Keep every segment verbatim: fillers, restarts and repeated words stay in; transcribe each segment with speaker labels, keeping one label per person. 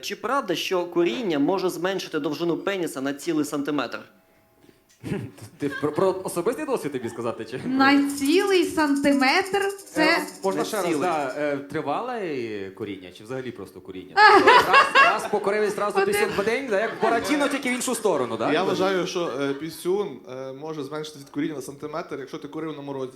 Speaker 1: Чи правда, що куріння може зменшити довжину пеніса на цілий сантиметр?
Speaker 2: Ти про, про особистий досвід тобі сказати? Чи?
Speaker 3: На цілий сантиметр це...
Speaker 2: Е, можна
Speaker 1: Не
Speaker 2: ще раз,
Speaker 1: цілий.
Speaker 2: да, е, тривале куріння, чи взагалі просто куріння? раз, раз покорив і зразу пісюн в день, да, як Буратіно, тільки в іншу сторону, да?
Speaker 4: Я вважаю, що е, пісюн е, може зменшити від куріння на сантиметр, якщо ти курив на морозі.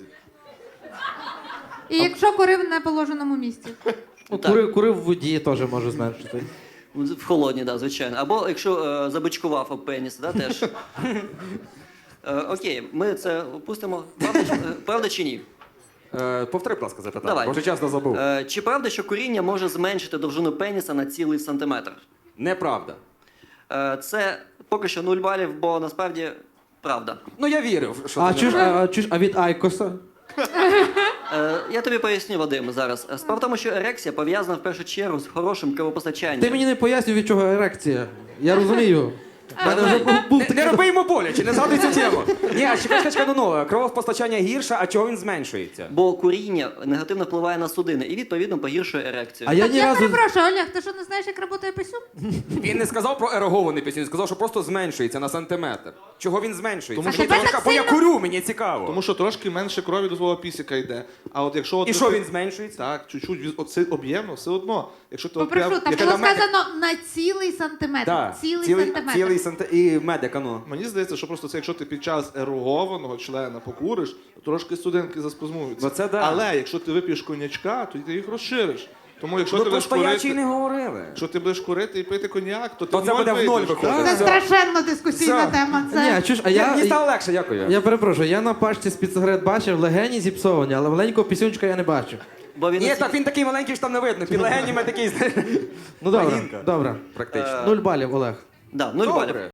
Speaker 3: І якщо курив на положеному місці.
Speaker 1: Ну, так.
Speaker 5: Курив, курив в воді теж може зменшити.
Speaker 1: В холодній, да, звичайно. Або якщо е, забичкував об пеніс, да, теж. Е, окей, ми це опустимо. Правда, чи- е, правда чи ні?
Speaker 2: Е, повтори, будь ласка, запитання,
Speaker 1: Давай.
Speaker 2: бо вже часто забув.
Speaker 1: Е, чи правда, що куріння може зменшити довжину пеніса на цілий сантиметр?
Speaker 2: Неправда.
Speaker 1: Е, це поки що нуль балів, бо насправді правда.
Speaker 2: Ну я вірив, що
Speaker 5: А
Speaker 2: ти
Speaker 5: чуш,
Speaker 2: не
Speaker 5: а, а, чуш, а від Айкоса?
Speaker 1: Е, я тобі поясню, Вадим, зараз. Е, Справа в тому, що ерекція пов'язана в першу чергу з хорошим кровопостачанням.
Speaker 5: Ти мені не пояснюй, від чого ерекція. Я розумію. В мене вже був, був
Speaker 2: Не,
Speaker 5: такий...
Speaker 2: не роби йому боляче, не згадуй цю тему. Ні, а чекай, чекай, чекай, ну, ну, кровопостачання гірше, а чого він зменшується?
Speaker 1: Бо куріння негативно впливає на судини і, відповідно, погіршує ерекцію.
Speaker 5: А я
Speaker 3: Так
Speaker 5: ні
Speaker 3: я
Speaker 5: разу...
Speaker 3: перепрошую, Олег, ти що не знаєш, як працює писюн?
Speaker 2: Він не сказав про ерогований пісюн, він сказав, що просто зменшується на сантиметр. Чого він зменшується?
Speaker 4: Тому
Speaker 3: що
Speaker 2: Мені
Speaker 3: тебе
Speaker 2: трошки-
Speaker 3: так
Speaker 2: бо я
Speaker 3: сильно-
Speaker 2: курю, мені цікаво.
Speaker 4: Тому що трошки менше крові до твого пісіка йде. А от якщо от
Speaker 2: І
Speaker 4: ви-
Speaker 2: що він зменшується?
Speaker 4: Так, чуть-чуть від- оце об'ємно, все одно. Якщо ти
Speaker 3: Попрошу,
Speaker 4: об'єм-
Speaker 3: там
Speaker 2: яка
Speaker 3: було
Speaker 2: на мене-
Speaker 3: сказано на цілий сантиметр.
Speaker 2: Да,
Speaker 3: Цілий,
Speaker 2: цілий,
Speaker 3: сантиметр.
Speaker 2: цілий санти... І медика, ну.
Speaker 4: Мені здається, що просто це, якщо ти під час ерогованого члена покуриш, то трошки судинки заспазмуються.
Speaker 2: Ну, це да.
Speaker 4: Але якщо ти вип'єш коньячка, то ти їх розшириш. Тому якщо
Speaker 2: Ну
Speaker 4: ти
Speaker 2: то
Speaker 4: будеш
Speaker 2: стоячі
Speaker 4: курити,
Speaker 2: не говорили.
Speaker 4: якщо ти будеш курити і пити коньяк, то ти
Speaker 2: То
Speaker 4: в
Speaker 2: це
Speaker 4: ноль
Speaker 2: буде в ноль
Speaker 4: вийдеш.
Speaker 2: виходить.
Speaker 4: Так.
Speaker 3: Це страшенно дискусійна
Speaker 2: Все.
Speaker 3: тема.
Speaker 5: Ні,
Speaker 3: Це...
Speaker 5: чуш, а
Speaker 2: Я... Мені
Speaker 5: я...
Speaker 2: стало легше, дякую.
Speaker 5: Я перепрошую, я на пачці з-під сигарет бачив, легені зіпсовані, але маленького пісюнчика я не бачив.
Speaker 1: Бо він
Speaker 2: Ні,
Speaker 1: настільки-
Speaker 2: так він такий маленький, що там не видно. Під легенями такий, знаєш,
Speaker 5: Ну добре,
Speaker 2: Вагінка.
Speaker 5: добре.
Speaker 2: практично.
Speaker 5: Нуль балів, Олег.
Speaker 1: Да, нуль
Speaker 2: Добре.
Speaker 1: балів.